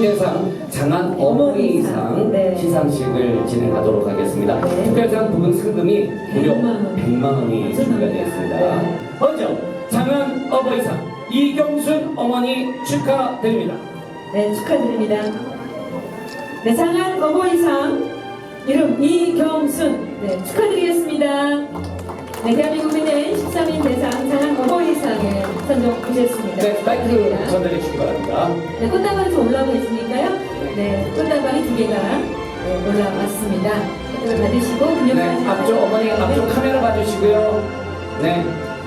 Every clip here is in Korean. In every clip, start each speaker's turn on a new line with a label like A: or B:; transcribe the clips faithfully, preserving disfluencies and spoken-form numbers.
A: 특별상 장안 어머니상
B: 네.
A: 시상식을 진행하도록 하겠습니다.
B: 네.
A: 특별상 부분 상금이 무려
B: 백만 원.
A: 백만 원이 준비가 되어 있습니다.
B: 네.
A: 먼저 장안 어버이상 이경순 어머니 축하드립니다.
B: 네, 축하드립니다. 네, 장안 어버이상 이름 이경순. 네, 축하드리겠습니다. 네, 대한민국 민의 십삼 인 대상 장안 어버이상에 선정되셨습니다.
A: 네, 마이크 전달해 주시기 바랍니다.
B: 네, 꽃다발이 좀 올라오고 있으니까요. 네, 꽃다발이 두 개가 네, 올라왔습니다. 꽃다발 받으시고 금융
A: 네, 앞쪽 어머니 앞쪽 카메라 봐주시고요. 네,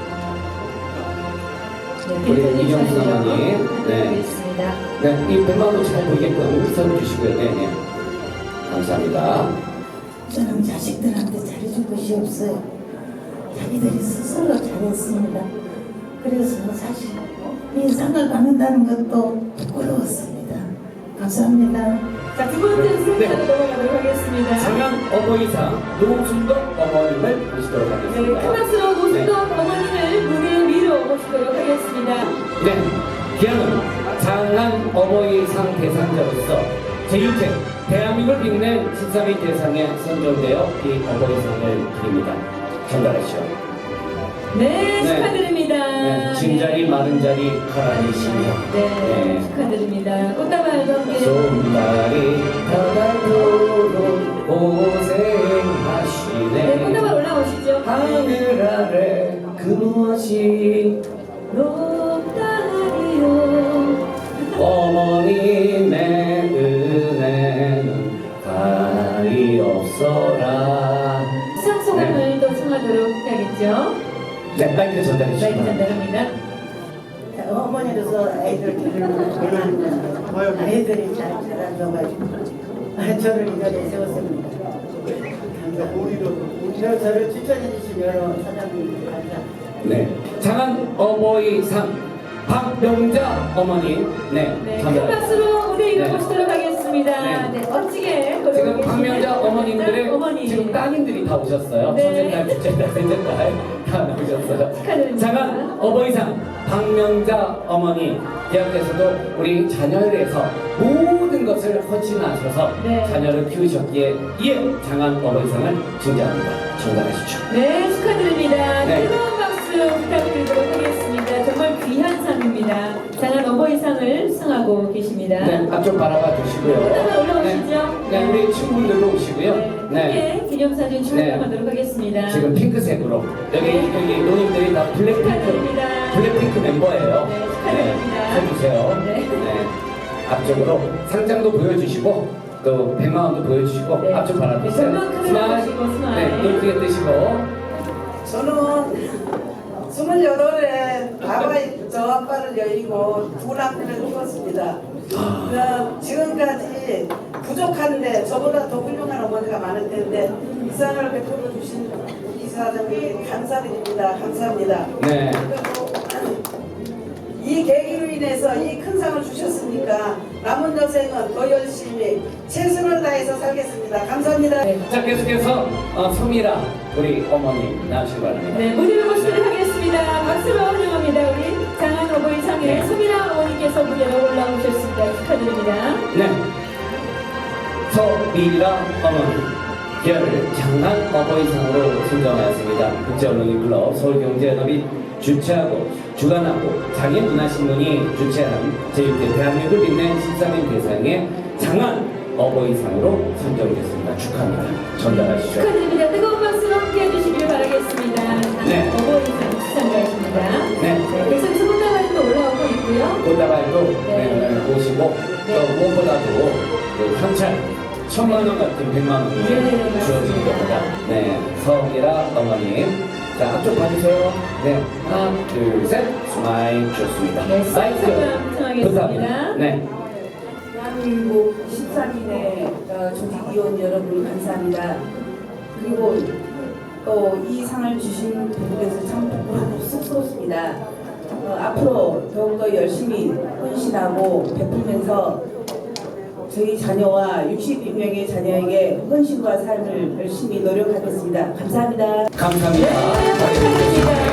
A: 우리 이경순 어머니. 네.
B: 있습니다.
A: 네, 이 백만 원도 잘 보이게끔 써주시고요. 네, 네. 감사합니다.
C: 저는 자식들한테 잘해줄 것이 없어요. 자기들이 스스로 잘했습니다. 그래서 사실 이 상을 받는다는 것도 부끄러웠습니다. 감사합니다.
B: 자, 두 번째 순서로
A: 네.
B: 넘어가도록 하겠습니다.
A: 장안 어버이상 노순덕 어머님을 모시도록
B: 네,
A: 하겠습니다.
B: 큰 박수로 노순덕 어머니를 무대 위로 모시도록 하겠습니다.
A: 네, 기아는 장안 어버이상 대상자로서 제육 회 대한민국을 빛낸 십삼 위 대상에 선정되어 이 어버이상을 드립니다. 전달하시오.
B: 네,
A: 네.
B: 축하드립니다.
A: 네, 진자리 마른자리 가라니시며
B: 네,
A: 네.
B: 축하드립니다. 꽃다발과 함께
A: 손발이 닿아도록 고생하시네.
B: 네, 꽃다발 올라오시죠.
A: 하늘 아래 그 무엇이
B: 높다리요.
A: 어머님의 은혜는 가리 없어라.
B: 수상소감을 또 청하도록 해야겠죠.
A: 네, 마이크 전달해
B: 마이크
A: 주시면
B: 전달합니다.
C: 어머니로서 아이들 기르는 아이들이 잘 자라줘가지고 저를 이 자리에 세웠습니다. 감사합니다. 저를 추천해 주신 여러 사장님들 감사합니다.
A: 네, 장안 어버이상 박명자 어머니. 네,
B: 네, 큰
A: 전달.
B: 박수로 무대 위로
A: 네.
B: 모시도록 하겠습니다.
A: 네.
B: 네, 멋지게
A: 지금 박명자 어머님들의
B: 어머니.
A: 지금 따님들이 다 오셨어요.
B: 네.
A: 첫째 딸, 둘째 딸, 셋째 딸 다 나오셨어요.
B: 축하드립니다.
A: 장안 어버이상 박명자 어머니 대학에서도 우리 자녀를 위해서 모든 것을 헌신하셔서
B: 네.
A: 자녀를 키우셨기에 이에 장안 어버이상을 증자합니다. 전달하십시오.
B: 네, 축하드립니다.
A: 네.
B: 뜨거운 박수 부탁드리도록 하겠습니다. 정말 귀한 상입니다. 장안 어버이상을 수상하고 계십니다.
A: 네, 앞쪽 바라봐 주시고요.
B: 꽃다발 올라오시죠?
A: 네, 네, 우리 친구분들도 오시고요.
B: 네,
A: 네.
B: 함께 기념사진 촬영하도록 하겠습니다.
A: 지금 핑크색으로 여기 여기 노님들이 다 블랙핑크
B: 축하드립니다.
A: 블랙핑크 멤버예요.
B: 네, 축하드립니다.
A: 해주세요.
B: 네.
A: 네. 앞쪽으로 상장도 보여주시고 또 백만 원도 보여주시고
B: 네.
A: 앞쪽 바라보세요.
B: 네, 전면 카메라 보시고 스마일.
A: 네, 눈 크게 뜨시고.
D: 저는 스물여덟에 아바이 저 아빠를 여의고 두 남편을 키웠습니다. 그 지금까지 부족한데 저보다 더 훌륭한 어머니가 많을 텐데 이 상을 베풀어 주신 이사장님 감사드립니다. 감사합니다.
A: 네.
D: 그리고 이 계기로 인해서 이 큰 상을 주셨으니까 남은 여생은 더 열심히 최선을 다해서 살겠습니다. 감사합니다.
B: 네.
A: 자, 계속해서 어, 소미라 우리 어머니 나오시기 바랍니다.
B: 네, 무대를 모시도록 하겠습니다. 박수로 환영합니다. 우리 장안 어버이상의
A: 네.
B: 소미라 어머니께서 무대로 올라오셨습니다. 축하드립니다.
A: 네. 서미라 어머니. 기아를 장안 어버이상으로 선정하였습니다. 국제언론인클럽 서울경제연합이 주최하고 주관하고 장애문화신문이 주최한 제육 회 대한민국을 빛낸 십삼 인 대상의 장안 어버이상으로 선정됐습니다. 축하합니다. 전달하시죠.
B: 축하드립니다. 뜨거운 박수로 함께 해주시길 바라겠습니다.
A: 네.
B: 어버이상 수상자이십니다.
A: 네.
B: 네, 계속해서 꽃다발도 올라오고 있고요.
A: 꽃다발도
B: 네.
A: 네, 네, 보시고
B: 네.
A: 또 무엇보다도 그 현찰 천만 원 같은 백만 원이
B: 네, 네,
A: 주어진 겁니다. 네, 서미라 어머님. 자, 앞쪽 봐주세요. 네, 하나, 둘, 셋. 스마일 좋습니다.
B: 네,
A: 마이크
B: 수상소감 청하겠습니다.
A: 부탁합니다. 네.
D: 대한민국 십삼 인의 조직위원 여러분 감사합니다. 그리고 또 이 상을 주신 분께서 참 부끄럽고 쑥스럽습니다. 어, 앞으로 더욱더 열심히 헌신하고 베풀면서 저희 자녀와 육십이 명의 자녀에게 헌신과 삶을 열심히 노력하겠습니다. 감사합니다.
A: 감사합니다.
B: 네, 감사합니다.